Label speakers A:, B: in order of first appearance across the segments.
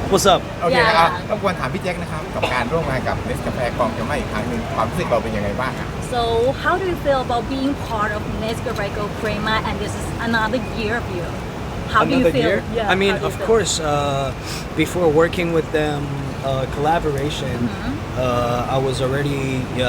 A: What's up?
B: โอเค
C: อย่า
B: รบกวนถามพี่แจ็คนะครับกับการร่วมงานกับเนสกาแฟกองจะไม่อีกครั้งหนึ่งความรู้สึกเราเป็นยังไงบ้างครับ
C: So how do you feel about being part of Nescafe Crema and this is another year of you? How do you
A: Another
C: feel?
A: year?
C: Yeah,
A: I mean,
C: how do you
A: of
C: feel?
A: course, before working with them, collaboration, I was already,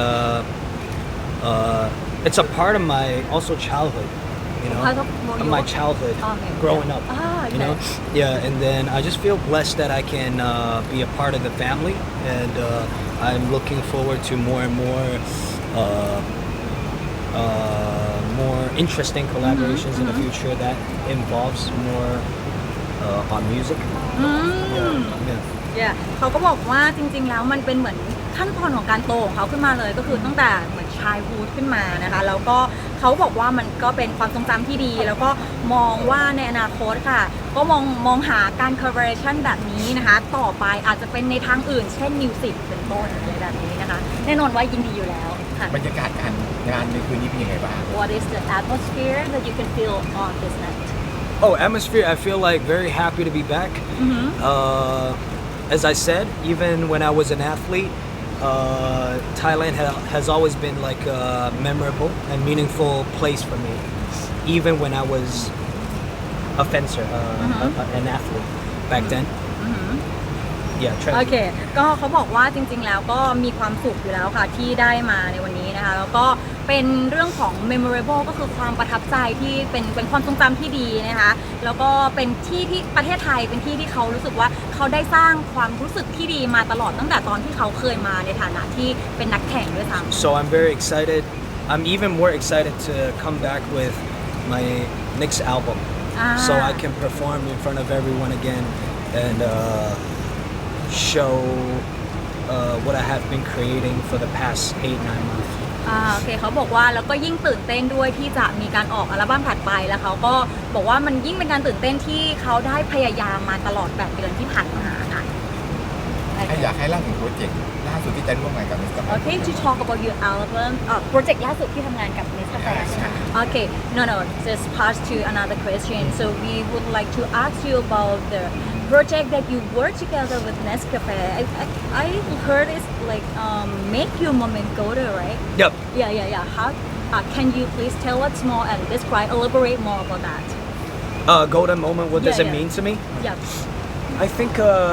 A: it's a part of my also childhood, you know,
C: Part of
A: my
C: your-
A: childhood,
C: Okay,
A: growing up,
C: okay.
A: you know, yeah, and then I just feel blessed that I can be a part of the family, and I'm looking forward to more and more more interesting collaborations in the future that involves more on music. Yeah.
C: Yeah เขาก็บอกว่าจริงๆแล้วมันเป็นเหมือนขั้นตอนของการโตของเขาขึ้นมาเลยก็คือตั้งแต่เหมือนชายฮูดขึ้นมานะคะแล้วก็เขาบอกว่ามันก็เป็นความทรงจำที่ดี แล้วก็มองว่าในอนาคตค่ะก็มองหาการ collaboration แบบนี้นะคะต่อไปอาจจะเป็นในทางอื่นเช่นมิวสิกเป็นต้นอะไรแบบนี้นะคะแน่นอนว่ายินดีอยู่แล้วค่ะ
B: บรรยากาศการงานในคืนนี้เป็นยังไงบ้าง
C: What is the atmosphere that you can feel on this night?
A: Oh, atmosphere! I feel like very happy to be back. As I said, even when I was an athlete, Thailand has always been like a memorable and meaningful place for me. Even when I was a fencer, an athlete back then. Yeah,
C: โอเค ก็เขาบอกว่าจริงๆ แล้วก็มีความสุขอยู่แล้วค่ะที่ได้มาในวันนี้นะคะ แล้วก็เป็นเรื่องของ memorable ก็คือความประทับใจที่เป็นความทรงจำที่ดีนะคะ แล้วก็เป็นที่ประเทศไทยเป็นที่ที่เขารู้สึกว่าเขาได้สร้างความรู้สึกที่ดีมาตลอดตั้งแต่ตอนที่เขาเคยมาในฐานะที่เป็นนักแข่งด้วยซ้ำ
A: So I'm very excited. I'm even more excited to come back with my next album, so I can perform in front of everyone again and show what I have been creating for the past 8-9 months.
C: โอเคเขาบอกว่าแล้วก็ยิ่งตื่นเต้นด้วยที่จะมีการออกอัลบั้มถัดไปแล้วเขาก็บอกว่ามันยิ่งเป็นการตื่นเต้นที่เขาได้พยายามมาตลอด8 เดือนที่ผ่านมาค่ะ
B: อยากให้เล่าถึงโปรเจกต์ล่าสุดที่จะร่วมงานกับเนสกาแฟ
C: Okay, to talk about your album, project ล่าสุดที่ทำงานกับ Nescafe ใช่ไหม Okay, no, just pass to another question. So we would like to ask you about the project that you work together with Nescafe. I heard it's like make your moment golden, right?
A: Yep.
C: Yeah. How? Can you please tell us more and describe, elaborate more about that?
A: Golden moment. What does
C: Yeah,
A: it
C: yeah.
A: mean to me?
C: Yeah.
A: I think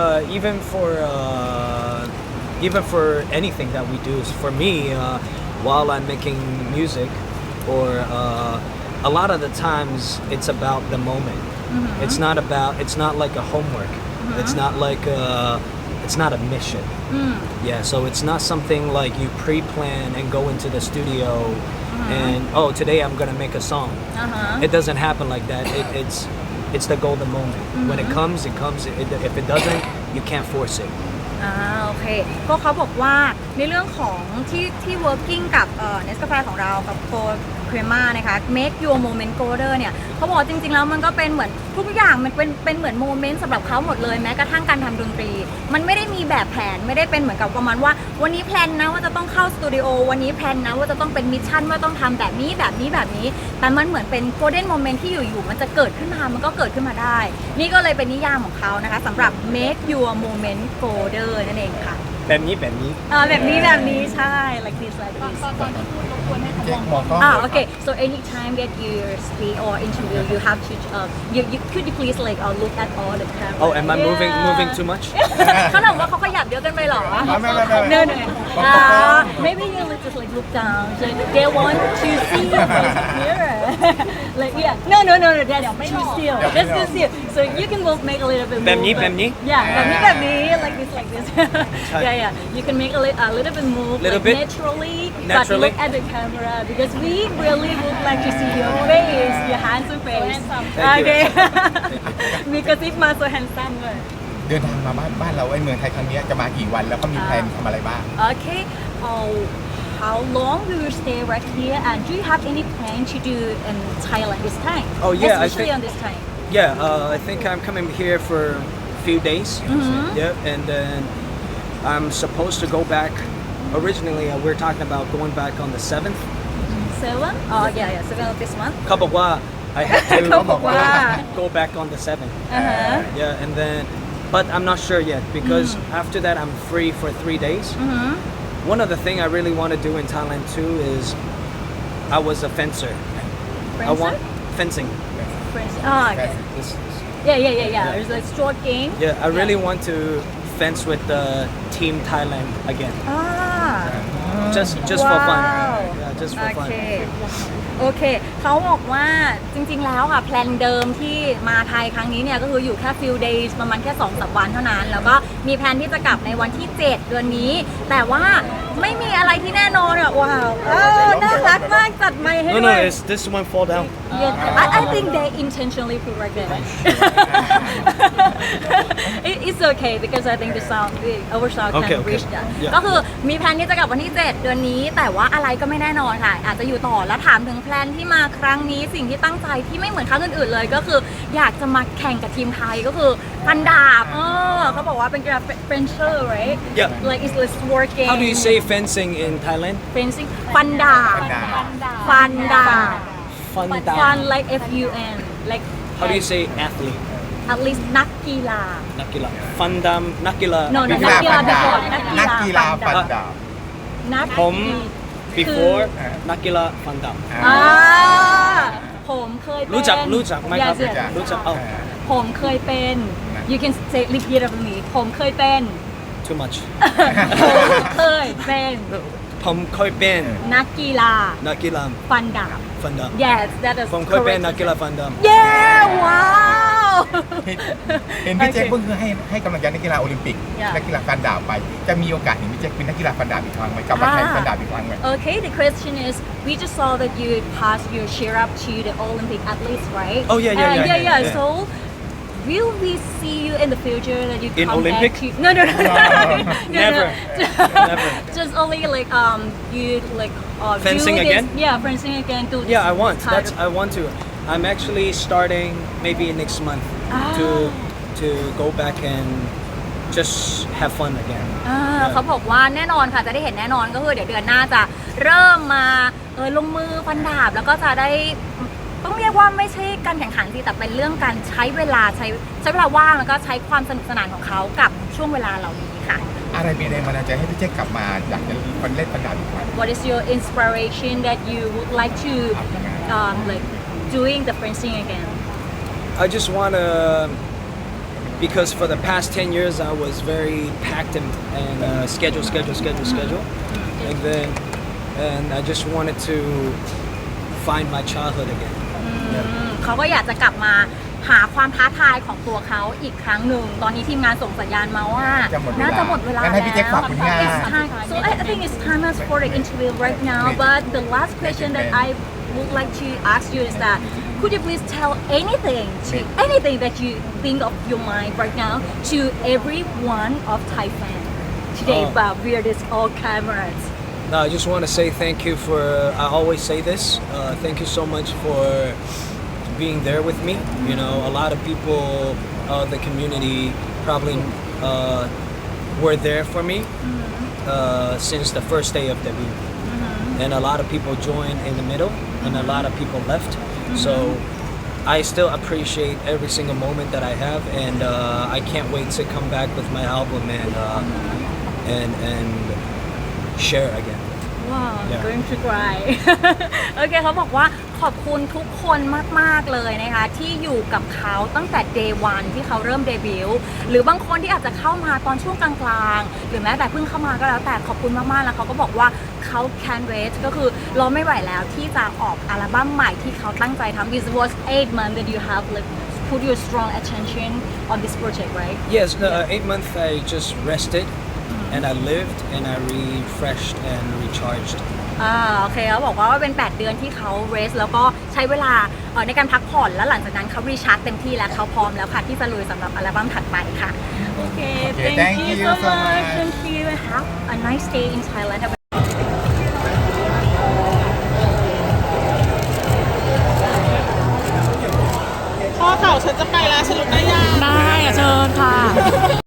A: even for anything that we do, for me, while I'm making music, or a lot of the times it's about the moment. It's not like a homework. It's not like it's not a mission. Yeah, so it's not something like you pre-plan and go into the studio and today I'm gonna make a song. It doesn't happen like that. It's the golden moment. When it comes, it comes. If it doesn't, you can't force it.
C: โอเคก็เขาบอกว่าในเรื่องของที่ working กับNescafe ของเรากับโคเครม่านะคะ make your moment golden เนี่ยเขาบอกจริงๆแล้วมันก็เป็นเหมือนทุกอย่างมันเป็นเหมือนโมเมนต์สำหรับเขาหมดเลยแม้กระทั่งการทำดนตรีมันไม่ได้มีแบบแผนไม่ได้เป็นเหมือนกับประมาณว่าวันนี้แพลนนะว่าจะต้องเข้าสตูดิโอวันนี้แพลนนะว่าจะต้องเป็นมิชชั่นว่าต้องทำแบบนี้แต่มันเหมือนเป็น golden moment ที่อยู่ๆมันจะเกิดขึ้นมามันก็เกิดขึ้นมาได้นี่ก็เลยเป็นนิยามของเขานะคะสำหรับ make your moment golden นั่นเองค่ะแบบนี้ใช่ like this
B: ตอนที่พูดรบกวนให้เขามองกล้อง
C: okay so anytime that you speak or interview you have to you could you please like look at all the camera
A: Oh, am I moving too much?
C: เขาถามว่าเขาขยับเยอะเกินไปหรอ
B: ไม่
C: no maybe you just like look down so they want to see you here like yeah no that's too still so you can both make a little bit
A: แบบนี้
C: yeah แบบนี้ like this yeah you can make a little bit move
A: Little
C: like
A: bit?
C: naturally but
A: Naturally?
C: look at the camera because we really would like to see your face your handsome face okay มีกระซิบมา so handsome เลย
B: เดินทางมาบ้านเราไอ้เมืองไทยครั้งนี้จะมากี่วันแล้วก็มีแผนทำอะไรบ้าง
C: Okay. How long will you stay right here? And do you have any plan to do in Thailand this time?
A: Oh, yeah, I
C: Especially
A: think-
C: on this time.
A: Yeah, I think I'm coming here for a few days. Yeah, and then I'm supposed to go back. Originally, we're talking about going back on the 7th.
C: 7? Oh, yeah, 7 of this month.
A: Kabakwa, I have to
C: เขาบอกว่า
A: go back on the 7th. Yeah, and then but I'm not sure yet because after that I'm free for 3 days. One of the thing I really want to do in Thailand too is I was a fencer. I want fencing.
C: Okay.
A: This-
C: Yeah. It's like short game.
A: yeah, I really want to fence with the team Thailand again. Just for fun.
C: Wow.
A: Yeah, just
C: โอ
A: for
C: เค
A: fun.
C: โอเค เขาบอกว่าจริงๆ แล้วค่ะแพลนเดิมที่มาไทยครั้งนี้เนี่ยก็คืออยู่แค่ few days ประมาณแค่ 2-3 วันเท่านั้น แล้วก็มีแพลนที่จะกลับในวันที่ 7 เดือนนี้ แต่ว่าไม่มีอะไรที่แน่นอนอ่ะว้าวน่ารักมากจัดไมค์ให้
A: No,
C: ด้
A: no,
C: วย
A: it's this one fall down.
C: I think they intentionally put like that. It's okay because I think the sound our sound can
A: Okay,
C: reach that.
A: yeah.
C: ก็คือมีแพลนที่จะกลับวันที่ 7 เดือนนี้ แต่ว่าอะไรก็ไม่แน่นอนค่ะ อาจจะอยู่ต่อแล้วถามถึงแพลนที่มาครั้งนี้สิ่งที่ตั้งใจที่ไม่เหมือนครั้งอื่นๆเลย ก็คืออยากจะมาแข่งกับทีมไทยก็คือฟันดาบเขาบอกว่าเป็นกีฬา Fencer right
A: Yeah.
C: like it's like sport game
A: How do you say fencing in Thailand?
C: fencing ฟันดาบ
B: ฟันดาบ
C: ฟันดาบ
A: Fun
C: fun
A: down.
C: like FUN like
A: How do you say athlete?
C: at least นักกีฬา
A: Nakila. Fundam. Nakila.
C: No,
B: นั
C: no,
B: กกีฬาฟันดาบ
C: นั
B: นั
C: ก
B: ก
C: กี
B: กี
C: ฬา
B: ฬา
C: ฟั
B: ฟั
C: น
B: น
C: ดาบ
B: ดาบ
C: นัก
A: Home before Nakila Fundam.
C: ผมเคยเป็น
A: รู้จักไหมครับ
C: Yes, yes.
A: รู้จักเอ้า
C: ผมเคยเป็น you can say repeat after me ผมเคยเป็น
A: Too much.
C: ผมเคยเป็น
A: ผมเคยเป็น
C: นักกีฬา
A: นักกีฬา
C: ฟันดาบ
A: ฟันดาบ
C: yes that is
A: ผมเคยเป็น
C: correct
A: นักกีฬาฟันดาบ
C: yeah wow
B: เห็นพี่แจ็คเพิ่งให้กำลังใจนักกีฬาโอลิมปิก
C: Yeah.
B: นักกีฬาฟันดาบไป จะมีโอกาสเห็นพี่แจ็คเป็นนักกีฬาฟันดาบอีกครั้งไหมกลับมาแข่งฟันดาบอีกครั้งไหม
C: Okay, the question is, we just saw that you passed your cheer up to the Olympic athletes, right?
A: Oh, yeah.
C: Yeah. So, will we see you in the future that you
A: In
C: come
A: Olympic?
C: back to? No.
A: Never. Never.
C: Just only like you like
A: Fencing
C: do this,
A: again?
C: Yeah, fencing again. Do this
A: Yeah, I want.
C: kind
A: That's
C: of-
A: I want to. I'm actually starting maybe next month to go back and just have fun again.
C: เขาบอกว่าแน่นอนค่ะจะได้เห็นแน่นอนก็คือเดี๋ยวเดือนหน้าจะเริ่มมาลงมือฟันดาบแล้วก็จะได้ต้องเรียกว่าไม่ใช่การแข่งขันสิแต่เป็นเรื่องการใช้เวลาใช้เวลาว่างแล้วก็ใช้ความสนุกสนานของเขากับช่วงเวลาเหล่านี้ค่ะ
B: อะไรเป็นแรงบันดาลใจให้พี่แจ็คกลับมาอยากจะเล่นฟันดาบอีกครั้ง
C: What is your inspiration that you would like to like doing the fencing again
A: I just want to, because for the past 10 years I was very packed and schedule. Like then, and I just wanted to find my childhood again.
C: เขาก็อยากจะกลับมาหาความท้าทายของตัวเขาอีกครั้งหนึ่งตอนนี้ทีมงานส่งสัญญาณมาว่าน่าจะหมดเวลา
B: งั้นให้พี่แจ็คฝากผลงาน
C: It's time. So I think it's time for the interview right now. But the last question that I would like to ask you is that could you please tell anything that you think of your mind right now to everyone of Thai fan today about via this all cameras.
A: No, I just want to say thank you for. I always say this. Thank you so much for being there with me. You know, a lot of people, the community, probably were there for me since the first day of debut, and a lot of people joined in the middle, and a lot of people left. So I still appreciate every single moment that I have, and I can't wait to come back with my album and share again.
C: Wow,
A: Yeah.
C: going to cry โอเคเขาบอกว่าขอบคุณทุกคนมากๆเลยนะคะที่อยู่กับเขาตั้งแต่ day one ที่เขาเริ่มเดบิวต์หรือบางคนที่อาจจะเข้ามาตอนช่วงกลางๆหรือแม้แต่เพิ่งเข้ามาก็แล้วแต่ขอบคุณมากๆแล้วเขาก็บอกว่าเขา can wait ก็คือรอไม่ไหวแล้วที่จะออกอัลบั้มใหม่ที่เขาตั้งใจทำ This was 8 months that you have like put your strong attention on this project right
A: Yes, 8 months I just rested and I lived and I refreshed and recharged.
C: โอเคเขาบอกว่าเป็น 8 เดือนที่เขาเรสแล้วก็ใช้เวลาในการพักผ่อนแล้วหลังจากนั้นเขารีชาร์จเต็มที่แล้วเขาพร้อมแล้วค่ะที่จะลุยสำหรับอัลบั้มถัดไปค่ะโอเค thank you so much thank you have a nice day in Thailand
D: พ่อเต่าฉันจะไปแล้วฉันลุกได้ยัง
C: ได้เชิญค่ะ